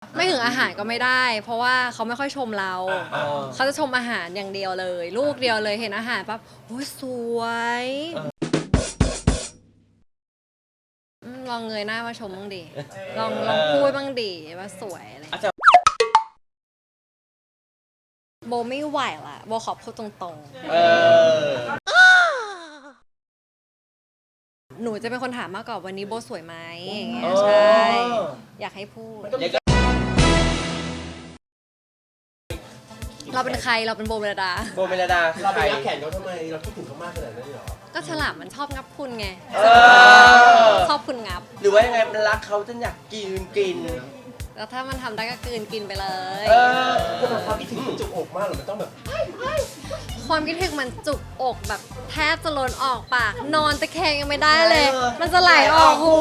ไม่ถึงอาหารก็ไม่ได้ เพราะว่าเขาไม่ค่อยชมเรา เขาจะชมอาหารอย่างเดียวเลย ลูกเดียวเลยเห็นอาหารปั๊บโอ้ยสวยลองเงยหน้ามาชมบ้างดิลองพูดบ้างดิว่าสวยอะไรโบไม่ไหวละโบขอพูดตรงๆหนูจะเป็นคนถามมากกว่าวันนี้โบสวยไหมอย่างเงี้ยใช่อยากให้พูดเราเป็นใครเราเป็นโบเมลดาเราไปรักแขนเขาทำไมเราคิดถึงเขามากขนาดนั้นเลยเหรอก็ฉลามมันชอบงับคุณไงชอบคุณงับหรือว่ายังไงมันรักเขาจนอยากกินแล้วถ้ามันทำได้ก็กินไปเลยก็มันความคิดถึงมันจุกอกมากหรอมันต้องแบบความคิดถึงมันจุกอกแบบแทบจะล้นออกปากนอนตะแคงยังไม่ได้เลย มันจะไหลออกหู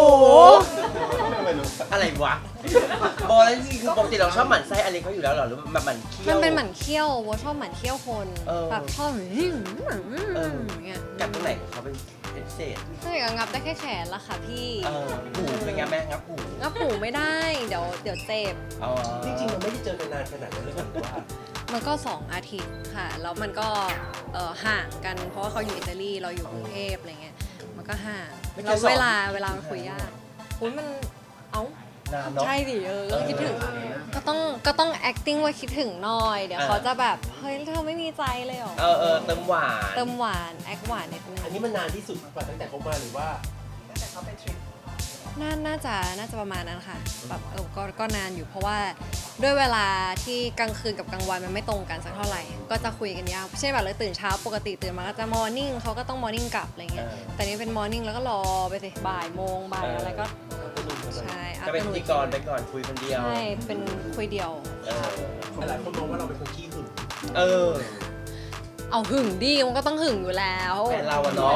อะไรวะโบแล้วจริงๆคือปกติเราชอบหมั่นไส้อะไรเขาอยู่แล้วหรอหรือแบบหมั่นเคี้ยวมันเป็นหมั่นเคี้ยวโบชอบหมั่นเคี้ยวคนแบบชอบอย่างเงี้ยกัดตรงไหนของเขาเป็นพิเศษใช่ก็งับได้แค่แขนละค่ะพี่หูเป็นไงแม่งับหูไม่ได้เดี๋ยวเจ็บจริงๆเราไม่ได้เจอกันนานขนาดนั้นเลยหรือว่ามันก็2 อาทิตย์ค่ะแล้วมันก็ห่างกันเพราะว่าเขาอยู่อิตาลีเราอยู่กรุงเทพอะไรเงี้ยมันก็ห่างแล้วเวลามันคุยยากคุณมันใช่สิก็คิดถึงก็ต้อง acting ว่าคิดถึงหน่อยเดี๋ยวเขาจะแบบเฮ้ยเธอไม่มีใจเลยหรอเติมหวานแอคหวานนิดนึงอันนี้มันนานที่สุดกว่าตั้งแต่เขามาหรือว่าตั้งแต่เขาไปทริปน่าจะประมาณนั้นค่ะแบบก็นานอยู่เพราะว่าด้วยเวลาที่กลางคืนกับกลางวันมันไม่ตรงกันสักเท่าไหร่ก็จะคุยกันยาวเช่นแบบเลยตื่นเช้าปกติตื่นมาก็จะมอร์นิ่งเขาก็ต้องมอร์นิ่งกลับอะไรเงี้ยแต่นี่เป็นมอร์นิ่งแล้วก็รอไปสิบ่ายโมงบ่ายอะไรก็ใช่ก็เป็นพิธีกรไปก่อนคุยคนเดียวใช่เป็นคุยเดียวหลายคนมองว่าเราเป็นคนขี้หึงเอาหึงดิมันก็ต้องหึงอยู่แล้วแต่เราอะเนาะ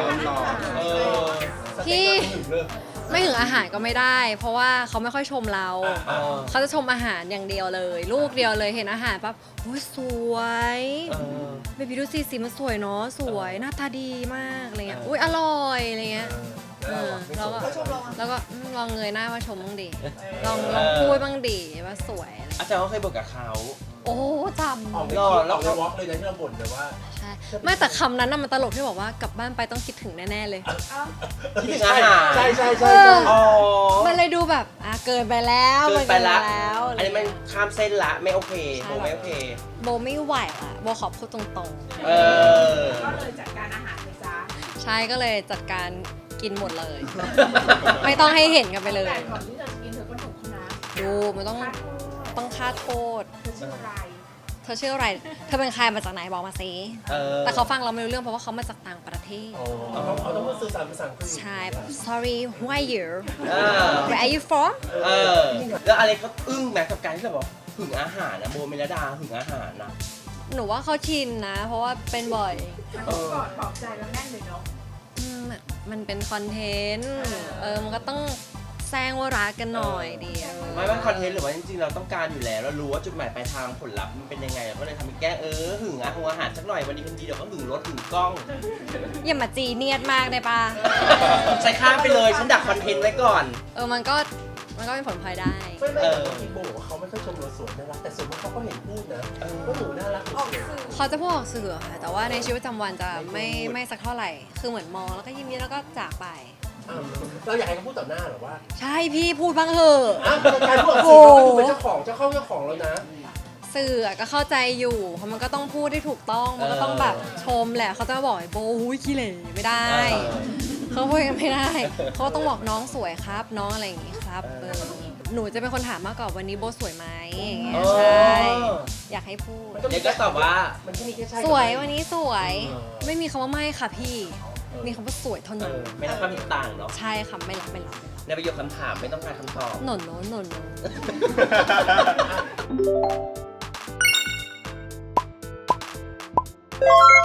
ที่ไม่ถึงอาหารก็ไม่ได้ เพราะว่าเขาไม่ค่อยชมเราเขาจะชมอาหารอย่างเดียวเลย ลูกเดียวเลยเห็นอาหารปั๊บโอ้ยสวยเบบี้ดูสิมันสวยเนาะสวยหน้าตาดีมากอะไรเงี้ยอุ้ยอร่อยอะไรเงี้ยแล้วก็ลองเงยหน้ามาชมบ้างดิลองพูดบ้างดิว่าสวยอาจารย์เขาเคยบอกกับเขาโอ้จำออกในวอล์กเลยนะที่เราบ่นแต่ว่าใช่ไม่แต่คำนั้นน่ะมันตลกที่บอกว่ากลับบ้านไปต้องคิดถึงแน่ๆเลยคิดถึงอาหารใช่มันเลยดูแบบเกินไปแล้วอันนี้มันข้ามเส้นละไม่โอเคโบไม่โอเคโบไม่ไหวละโบขอพูดตรงๆก็เลยจัดการอาหารเลยจ้าใช่ก็เลยจัดการกินหมดเลย ไม่ต้องให้เห็นกันไปเลยแต่ก่อนที่จะกินเธอก็หนุกนะดูมันต้องค่าโทษเธอชื่ออะไรเธอเป็นใครมาจากไหนบอกมาสิแต่เขาฟังเราไม่รู้เรื่องเพราะว่าเขามาจากต่างประเทศเขาต้องมาสื่อสารภาษาอังกฤษใช่แบบ sorry who are you where are you from แล้วอะไรเขาอึ้งแม้กับการที่เราบอกหึงอาหารนะโบเมลดาหึงอาหารนะหนูว่าเขาชินนะเพราะว่าเป็นบ่อยมันกอดปลอบใจแล้วแน่นเลยเนาะมันเป็นคอนเทนต์มันก็ต้องแซงว่ารักกันหน่อยดีไม่ว่าคอนเทนต์หรือว่าจริงๆเราต้องการอยู่แล้วเรารู้ว่าจุดหมายปลายทางผลลัพธ์มันเป็นยังไงเราก็เลยทำให้แก้หึงอาหารสักหน่อยวันนี้คนดีเดี๋ยวก็หึงรถหึงกล้องอย่ามาจีเนียดมากได้ปะใส่ข้ามไปเลยฉันดักคอนเทนต์ไว้ก่อนมันก็เป็นผลพลอยได้ไม่แต่ที่โบบอกว่าเขาไม่ค่อยชมเราสวยน่ารักแต่ส่วนมากเขาก็เห็นพูดนะว่าหนูน่ารักเขาจะพูดออกสื่อค่ะแต่ว่าในชีวิตประจำวันจะไม่สักเท่าไหร่คือเหมือนมองแล้วก็ยิ้มแล้วก็จากไปเราอยากให้เขาพูดต่อหน้าหรอว่าใช่พี่พูดบ้างเถอะการพูดสื่อเราเป็นเจ้าของเจ้าของแล้วนะสื่อก็เข้าใจอยู่เพราะมันก็ต้องพูดได้ถูกต้องมันก็ต้องแบบชมแหละเขาจะมาบอกโบหุ้ยขี้เหร่ไม่ได้เขาพูดกันไม่ได้เขาต้องบอกน้องสวยครับน้องอะไรอย่างงี้ครับหนูจะเป็นคนถามมากกว่าวันนี้โบสวยไหมอย่างเงี้ยใช่อยากให้พูดเด็กก็ตอบว่ามันก็มีแค่ใช่สวยวันนี้สวยไม่มีคำว่าไม่ค่ะพี่มีคำว่าสวยเท่านั้นไม่รับความเห็นต่างเนาะใช่ค่ะไม่รับในประโยคคำถามไม่ต้องการคำตอบหน